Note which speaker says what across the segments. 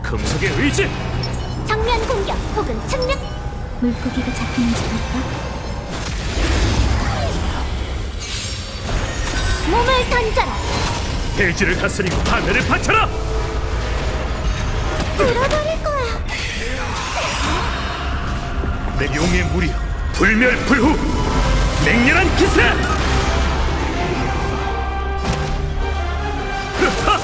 Speaker 1: 금속의 의지!
Speaker 2: 정면 공격 혹은 측면. 물고기가 잡히는지 볼까? 몸을 던져라.
Speaker 1: 대지를 다스리고 하늘을 바쳐라!
Speaker 2: 불어버릴 거야.
Speaker 1: 내 용의 무리여, 불멸불후! 맹렬한 기세! 흐하!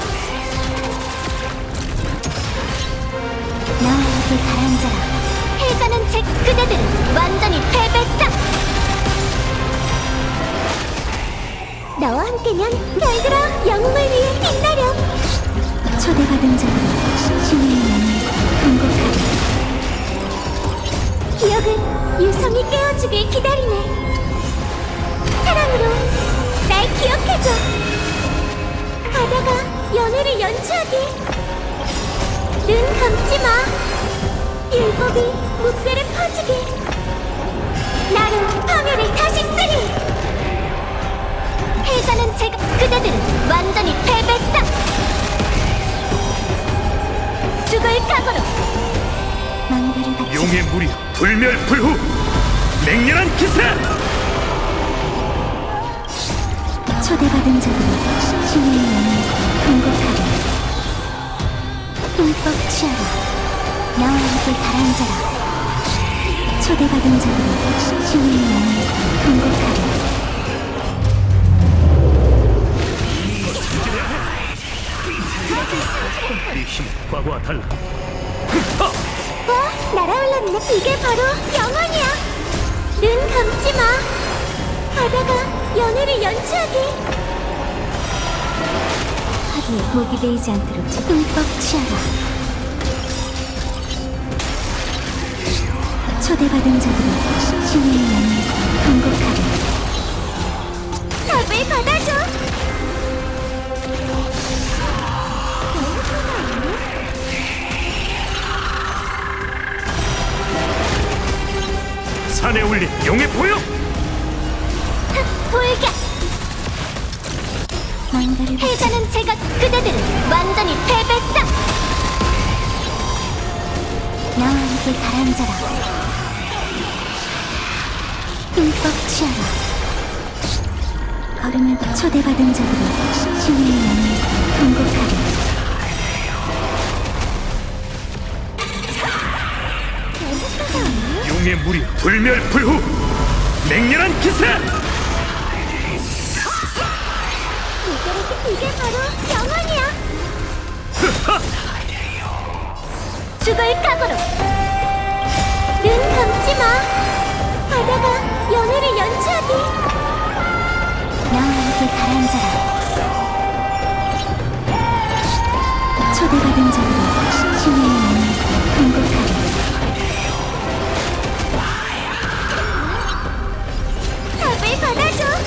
Speaker 2: 나와 함께 가라앉아라. 해자는 제 그대들은 완전히 패배다. 나와 함께면 별들아 영웅을 위해 빛나렴. 초대받은 자들은 신의 영에서 통곡하리. 기억은 유성이 깨워주길 기다리네. 사랑으로 날 기억해줘. 바다가 연애를 연주하게. 눈 감지 마. 율법이 무뼈를 퍼지게. 나로 파멸을 다시 쓰리. 해자는 제가 그대들은 완전히 패배다. 죽을 각오로. 망대를 바치.
Speaker 1: 용의 무리여, 불멸불후! 맹렬한 기세!
Speaker 2: 초대받은 자들은 신의 영에서 통곡하리. 흠뻑 취하라. 나와 함께 가라앉아라. 초대받은 자들은 신의 영에서 통곡하리.
Speaker 1: 네 힘은 과거와 달라.
Speaker 2: 날아올랐네. 이게 바로 영원이야. 눈 감지 마. 바다가 연애를 연주하게. 하루에 목이 베이지 않도록 흠뻑 취하라. 초대받은 자들은 신의 영에서 통곡하리. 답을 받아줘.
Speaker 1: 산에 올린 용의 보여!
Speaker 2: 돌격! 망가를 해자는 제가 그대들은 완전히 패배다. 나와 함께 가라앉아라. 흠뻑 취하라. 걸음을 초대받은 자들은 신의 영에서 통곡하리.
Speaker 1: 용의 무리, 불멸불후! 맹렬한 기세!
Speaker 2: 이게 바로 영원이야.
Speaker 1: 흐하!
Speaker 2: 죽을 각오로. 눈 감지 마. 바다가 연애를 연주하게. 나와 함께 가라앉아라. 초대받은 자들은 신의 영에서 통곡하리. 답을 받아줘.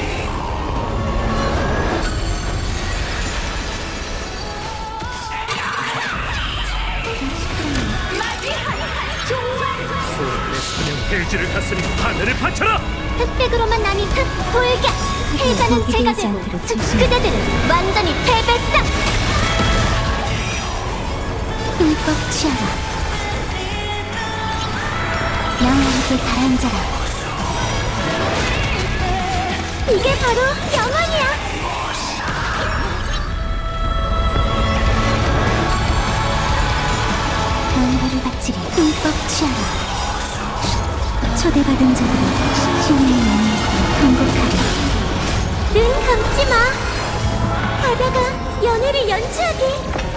Speaker 1: 소원의 사냥 대지를 다스리고 하늘을 바쳐라!
Speaker 2: 흑백으로만 나뉜 흑돌격. 해자는 제가 되고 그대들은 완전히 패배다. 흠뻑 취하라. 나와 함께 가라앉아라. 이게 바로 영원이야. 망가를 바치리. 흠뻑 취하라. 초대받은 자들은 신의 영에서 통곡하리. 눈 감지 마. 바다가 연애를 연주하게.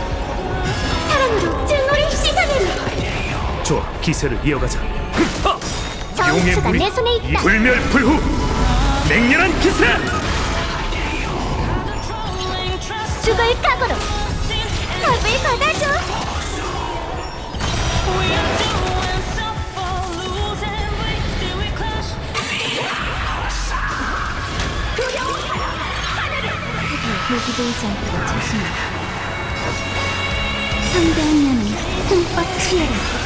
Speaker 2: 사랑으로 증오를 씻어내리.
Speaker 1: 좋아, 기세를 이어가자. 흐하! 용의
Speaker 2: 정수가
Speaker 1: 무리,
Speaker 2: 내 손에 있다.
Speaker 1: 불멸불후! 맹렬한 기세!
Speaker 2: 죽을 각오로. 답을 받아줘. 목이 보이지 않도록 조심해. 성대한 년은 흠뻑 취해라.